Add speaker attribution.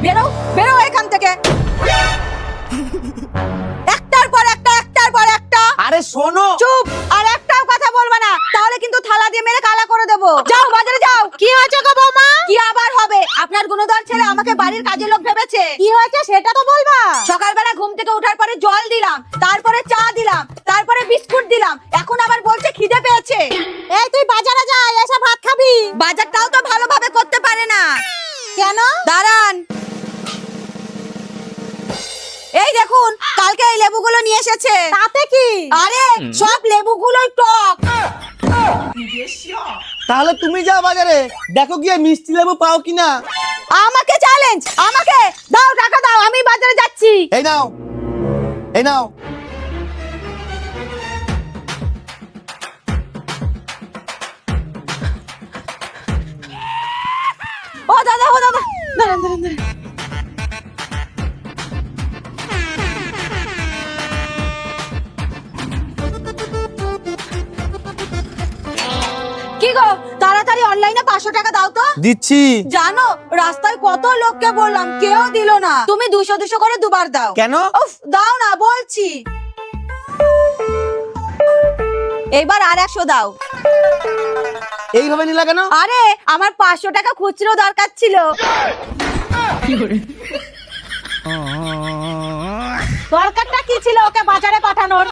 Speaker 1: বেরো বেরো এখান থেকে। একটার পর একটা, একটার পর একটা।
Speaker 2: আরে শোনো।
Speaker 1: চুপ, আর একটাও কথা বলবা না, তাহলে কিন্তু থালা দিয়ে মেরে কালা করে দেবো। যাও বাজারে যাও।
Speaker 3: কি হয়েছে গো বৌমা?
Speaker 1: কি আবার হবে? আপনার গুণধর ছেলে আমাকে বাড়ির কাজের লোক ভেবেছে।
Speaker 3: কি হয়েছে সেটা তো বলবা।
Speaker 1: সকালবেলা ঘুম থেকে ওঠার পরে জল দিলাম, তারপরে চা দিলাম, তারপরে বিস্কুট দিলাম, এখন আবার বলছে খিদে পেয়েছে।
Speaker 3: এই তুই বাজারে যা, এসে ভাত খাবি।
Speaker 1: বাজারটাও তো ভালোভাবে করতে পারে না।
Speaker 3: কেন?
Speaker 1: দাঁড়ান, এই দেখুন কালকে এই লেবুগুলো নিয়ে এসেছে।
Speaker 3: তাতে কি?
Speaker 1: আরে সব লেবুগুলোই টক।
Speaker 2: তাহলে তুমি যাও বাজারে, দেখো গিয়ে মিষ্টি লেবু পাও কিনা।
Speaker 1: আমাকে চ্যালেঞ্জ, আমাকে দাও, টাকা দাও, আমি বাজারে যাচ্ছি।
Speaker 2: এই নাও, এই নাও।
Speaker 1: ও দাদা, ও দাদা, দাঁড়ান দাঁড়ান দাঁড়ান। কি গো, তাড়াতাড়ি অনলাইনে 500 টাকা দাও তো।
Speaker 2: দিচ্ছি।
Speaker 1: জানো রাস্তায় কত লোককে বললাম, কেউ দিল না। তুমি 200 200 করে দুবার দাও।
Speaker 2: কেন?
Speaker 1: উফ, দাও না বলছি। এবার আর 100 দাও।
Speaker 2: এইভাবে নিলা কেন?
Speaker 1: আরে আমার 500 টাকা খুচরো দরকার ছিল।
Speaker 3: দরকারটা কি ছিল ওকে বাজারে পাঠানোর?